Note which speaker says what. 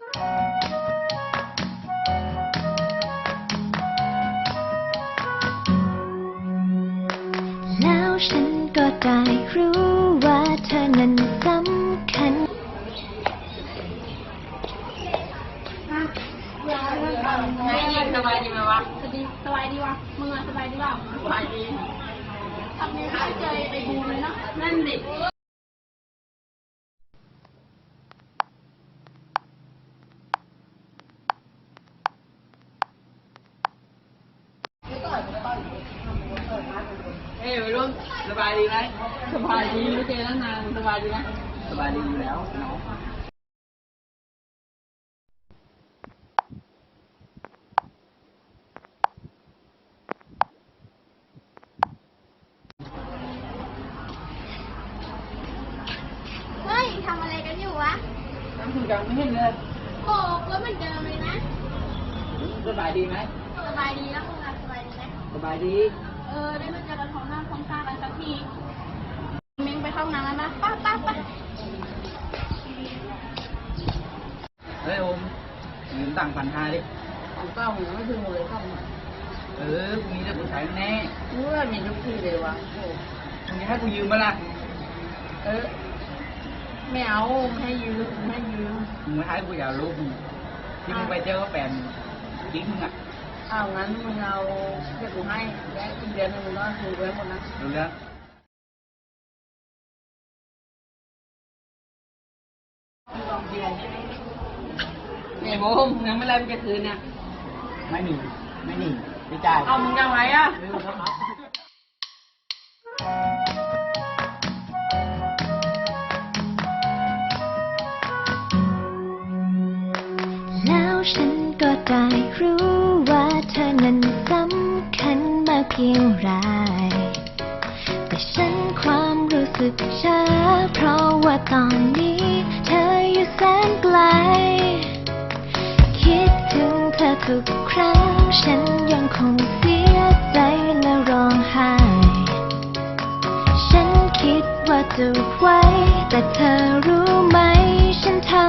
Speaker 1: แล้วฉันก็ได้รู้ว่าเธอนั้นสำคัญ
Speaker 2: ไงยิงสบายดีไหมวะสบายดีวะมึงอะสบายดีเปล่าสบายดีทำนี้ไม่เจอไอ้บูเลยเนาะนั่นดิเฮ้ยวัยรุ่นสบายดีไหมสบายดีไม่เจอตั้งนานสบายดีไหมสบายดีอยู่แล้วน้อง
Speaker 3: เฮ้ยทำอะไรกันอยู่วะ
Speaker 2: นั่งคุยกันไม่เห็นเลย
Speaker 3: โอ้ก็เหมือนเดิมเลยนะ
Speaker 2: สบายดีไหม
Speaker 3: สบายดีแล้วมึงอะสบายดีไหม
Speaker 2: สบายดี
Speaker 3: ได้มาเจอกันพร้อมหน้าพร้อมตากันสักทีมิ้งไปเข้าห้องน้ำแล้วนะป้าป้าป้า
Speaker 2: เฮ้ยโอมยืมตังค์1,500ดิของเก้าหนูไม่ถึงเลยครับพรุ่งนี้จะกูใช้แน่เมื่อมีทุกทีเลยวะพรุ่งนี้ให้กูยืมมาละไม่เอาไม่ให้ยืมมึงไม่ให้กูอยากรู้มึงที่มึงไปเจอก็แฟนกิ๊กมึงอ่ะงั้นมึงเอาเดี๋ยวกูให้และอีกเดือนนึงมึงก็คืนไว้หมดนะรู้แล้วเนี่ยโมมยังไม่ไรมันจะคืนเนี่ยไม่มีไม่จ่ายเอามึงจะไว้อะ
Speaker 1: แล้วฉันก็ได้รู้ว่าเธอนั้นสำคัญมากเพียงไรแต่ฉันความรู้สึกช้าเพราะว่าตอนนี้เธออยู่แสนไกลคิดถึงเธอทุกครั้งฉันยังคงเสียใจและร้องไห้ฉันคิดว่าจะไว้แต่เธอรู้ไหมฉันท